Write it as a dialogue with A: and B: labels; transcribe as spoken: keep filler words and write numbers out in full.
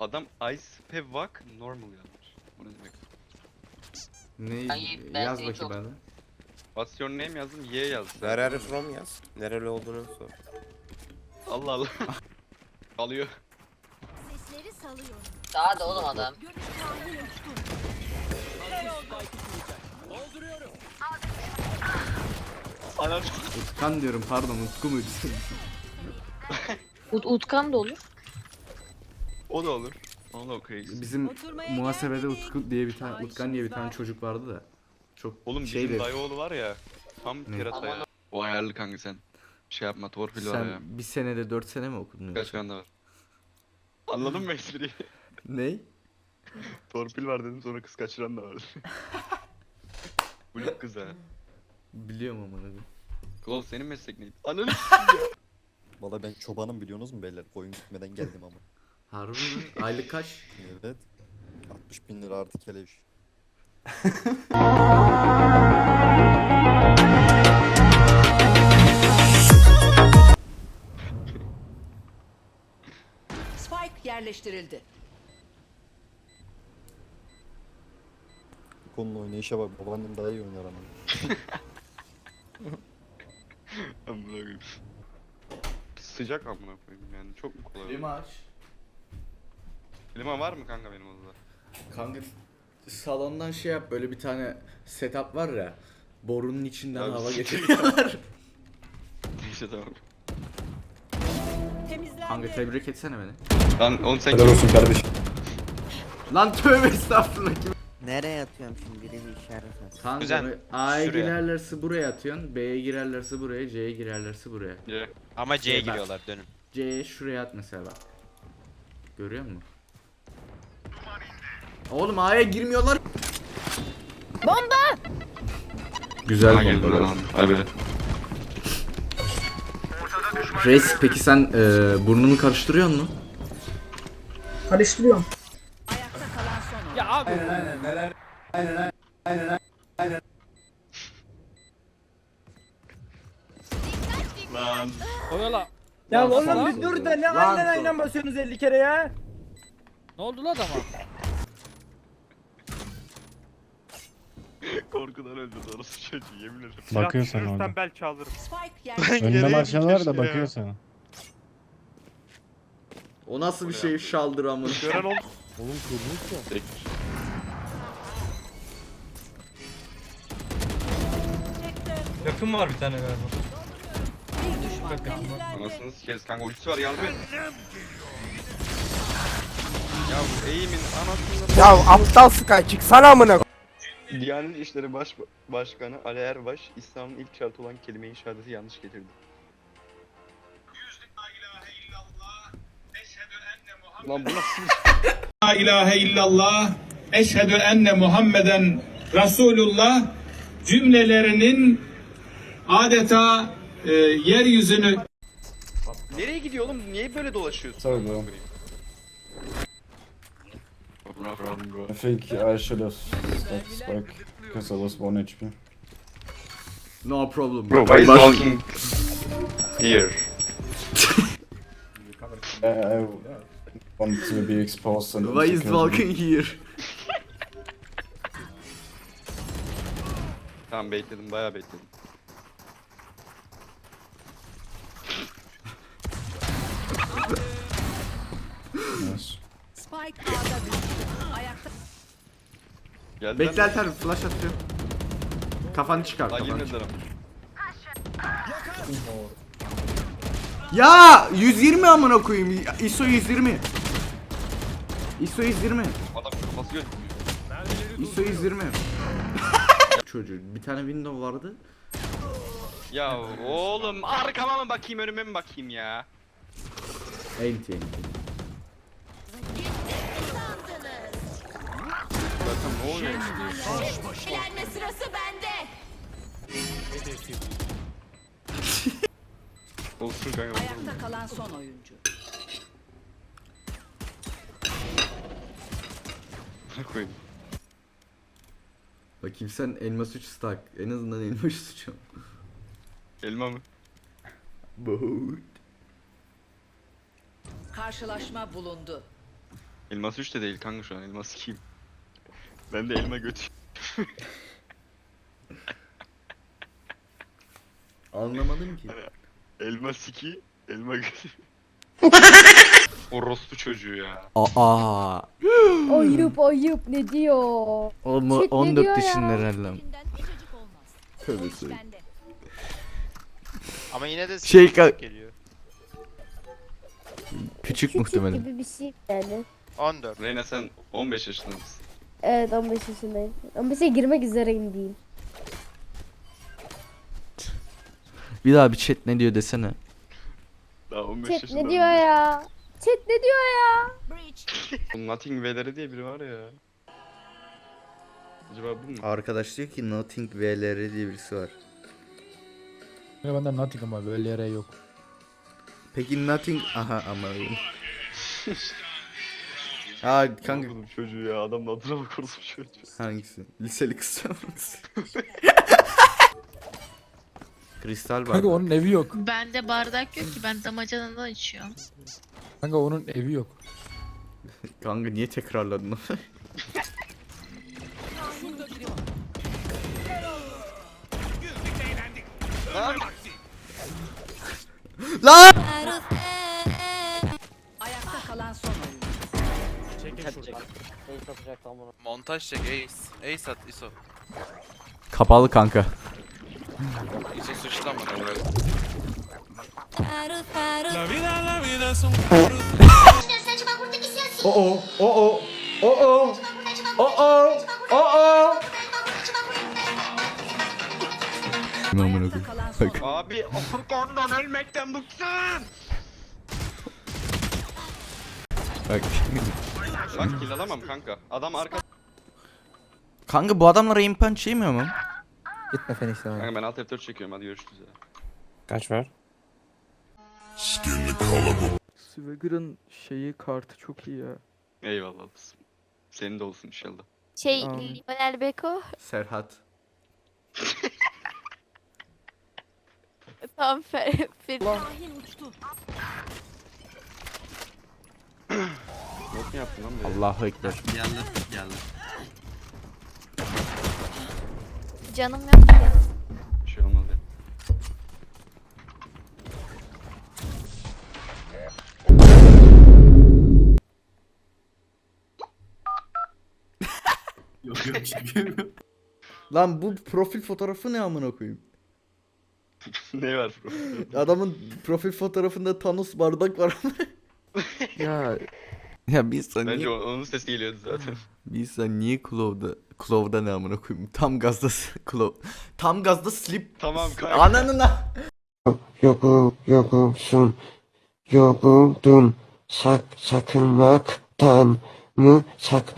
A: Adam Ice Pevak normal yazmış. O ne demek?
B: Ne
C: Ay, ben
B: yaz
C: seni
B: bakayım
C: çok-
B: bana.
A: What's your name yazdım, Y yazdım.
D: Where are you from yaz. Nereli olduğunu sor.
A: Allah Allah. Alıyor.
E: Sesleri salıyorum.
C: Daha da oğlum adam.
E: Görüş tahmin uçtum.
A: Anam.
B: Utkan diyorum pardon, Utku muydu?
C: Ut Utkan da olur.
A: O da olur. Onu da okuyayız.
B: Bizim
E: Oturmaya
B: muhasebede
E: geldik.
B: Utku diye bir tane
E: Ay,
B: Utkan diye bir
E: işimiz
B: tane
E: var.
B: çocuk vardı da. Çok
A: Oğlum
B: şeydi.
A: bizim dayıoğlu var ya. Tam
B: Ne?
A: kerata ya.
C: Aman-
A: O ayarlı kanka sen. Şey yapma, torpil var ya.
B: Sen bir senede dört sene mi okudun
A: Kaç
B: yoksa?
A: tane var. Anladın mı espriyi?
B: Ney?
A: Torpil var dedim, sonra kız kaçıran da var. Blok kız ha.
B: Biliyorum ama ne.
A: Klon senin meslek neydi? Ananı
F: Valla ben çobanım biliyorsunuz mu beyler? Koyun gitmeden geldim ama.
B: Harbi mi? Aylık kaç?
F: Evet. altmış bin lira artı keleş.
G: Spike yerleştirildi.
F: Bu konunun oynayışa bak. Babaannem daha iyi oynar ama.
A: Amına koyayım. Sıcak amına koyayım yani, çok mu kolay?
B: Klima aç.
A: Klima var mı kanka benim odada?
B: Kanka salondan şey yap, böyle bir tane setup var ya. Borunun içinden
A: Abi,
B: hava
A: siktir
B: geçiriyorlar.
A: Neyse tamam.
E: Temizlendi.
B: Kanka tebrik etsene beni.
A: Lan oğlum sen
F: Helal olsun kardeşim.
B: Lan tövbe estağfurullah.
H: Nereye atıyorum şimdi biri bir işaret at.
B: Kanka
I: Kuzen,
B: böyle A'ya
I: şuraya.
B: girerlerse buraya atıyorsun, B'ye girerlerse buraya, C'ye girerlerse buraya.
A: Ye.
I: Ama C'ye
B: Şey, bak.
I: giriyorlar dönün.
B: C'ye şuraya at mesela bak. Görüyor musun? Oğlum A'ya girmiyorlar. Bomba! Güzel
A: Hangi
B: bomba.
A: lan? Abi.
B: Reis peki sen e, burnunu karıştırıyor musun?
G: Ayakta kalan son oyuncu.
A: Lan.
J: Ya
B: Lan
J: oğlum
B: sana-
J: bir dur da ne
B: Lan
J: aynen
B: dur.
J: aynen basıyorsunuz elli kere ya.
K: Ne oldu lan adama?
A: Korkudan öldü doğrusu çocuğu, yemin ederim.
L: Bakıyor sana orada.
J: belki alırım.
G: Spike yerleştirildi.
L: Önünde marşal var da bakıyor sana.
B: O nasıl bir şey şaldır amına.
J: Gören oldu.
A: Tekmiş.
K: Yakın var bir tane galiba.
G: Bir düşman kaldı.
A: Anasını sikeriz kanka, ultisi var, yardım et. Ya bu eğimin anasını...
J: Ya aptal Sky çıksana amına.
A: Diyanet İşleri Baş Başkanı Ali Erbaş, İslam'ın ilk şartı olan kelime-i şehadeti yanlış getirdi. Lan bu nasıl?
J: La ilahe illallah, eşhedü enne Muhammeden Resulullah cümlelerinin adeta e, yeryüzünü
A: Nereye gidiyor oğlum? Niye böyle dolaşıyorsun?
F: Sorry bro. I think I should have stopped Spike because I was one H P.
B: No problem.
A: Bro, why is walking here?
F: I, I wanted to be exposed and
B: Why is walking here?
A: Tamam, bekledim, bayağı bekledim.
F: Yes.
G: Spike A'da düştü. Ayakta
A: Geldi
B: Beklerler, flash atıyor. Kafanı çıkar,
A: Lan
B: kafanı
A: yemin
B: çıkar.
A: ederim.
B: Ya yüz yirmi amına koyayım. I S O yüz yirmi. I S O yüz yirmi.
A: Adam kafası gözükmüyor.
B: I S O yüz yirmi. Çocuğu bir tane window vardı.
A: Ya oğlum, arkama mı bakayım, önüme mi bakayım ya?
B: Enti enti.
A: Zaten ne oluyor?
E: Eğlenme sırası bende.
A: Olsun kanka.
G: ayakta kalan son oyuncu.
A: Koyayım.
B: Bakayım sen elma suç stack. En azından elma suçum.
A: Elma mı?
B: Boğut.
G: Karşılaşma bulundu.
A: Elmas üç de değil kanka şu an, elmas ikiyim. Ben de elma götü.
B: Anlamadım ki.
A: Elmas iki, elma götü. Orospu çocuğu ya.
B: Aa.
E: Ayıp ayıp ne diyor?
B: O mu
E: Chat ne
B: on dört
E: diyor ya?
B: yaşında herhalde.
E: Elinden ececik olmaz.
B: Tövbe
E: O iş
B: söyle.
E: bende.
I: Ama yine de
B: Şey
I: sekiz
B: ka-
I: geliyor.
B: Küçük muhtemelen.
E: gibi bir şey yani.
I: on dört.
A: Reyna sen on beş yaşında mısın?
E: Evet on beş yaşındayım. on beşe girmek üzereyim diyeyim.
B: Bir daha bir chat ne diyor desene.
A: Daha on beş
E: Chat
A: yaşında.
E: ne diyor ya? Chat ne diyor ya?
A: Bu Nothing V'leri diye biri var ya. Acaba bu mu?
B: Arkadaş diyor ki Nothing V L R diye birisi var.
L: Bende nothing ama böyle yere yok.
B: Peki Nothing... Aha ama... Aa kanka
A: Oğlum çocuğu ya, adamın adına bak orospu çocuğu.
B: hangisi? Liseli kız hangisi? Kristal var.
L: Kanka onun evi yok.
C: Bende bardak yok ki, ben damacanadan içiyorum.
L: Kanka onun evi yok.
B: Kanka niye tekrarladın onu? Lan!
G: Ayakta kalan son oyuncu.
I: Montaj çek Ace. Ace at ISO.
B: Kapalı kanka.
I: ISO sıçtı ama böyle.
B: Oo, oo, oo, oo, oo. Amına
G: Ayakta
B: koyayım.
G: kalan son
B: Bak.
A: Abi Afurkan'dan ölmekten bıktım.
B: Bak.
A: Bak kill alamam kanka. Adam arka...
B: Kanka bu adamlara aim punch yemiyor mu?
H: Gitme Fenix'ten abi.
A: Kanka ben alt F dört çekiyorum, hadi görüşürüz ya.
D: Kaç var?
K: Swagger'ın şeyi kartı çok iyi ya.
A: Eyvallah kızım. Senin de olsun inşallah.
E: Şey
K: Amin.
E: Lionel Beko.
B: Serhat.
E: Tam fer. fer-
G: Şahin uçtu.
A: Yok mu yaptın lan be?
B: Allahu ekber.
H: Geldi geldi.
E: Canım yok ki.
A: Bir şey olmaz ya.
F: Yok yok çekemiyorum.
B: Lan bu profil fotoğrafı ne amına koyayım?
A: Ne var bro?
B: Adamın profil fotoğrafında Thanos bardak var.
K: Ya
B: Ya bir insan
A: Bence
B: niye,
A: o- onun sesi geliyordu zaten.
B: bir insan niye Clove'da, Clove'da ne amına koyayım? Tam gazda Clove. Tam gazda slip.
A: Tamam kanka.
B: Ananına.
H: Yokum yokumsun. Yokuldun. Sak sakınmaktan mı sakın?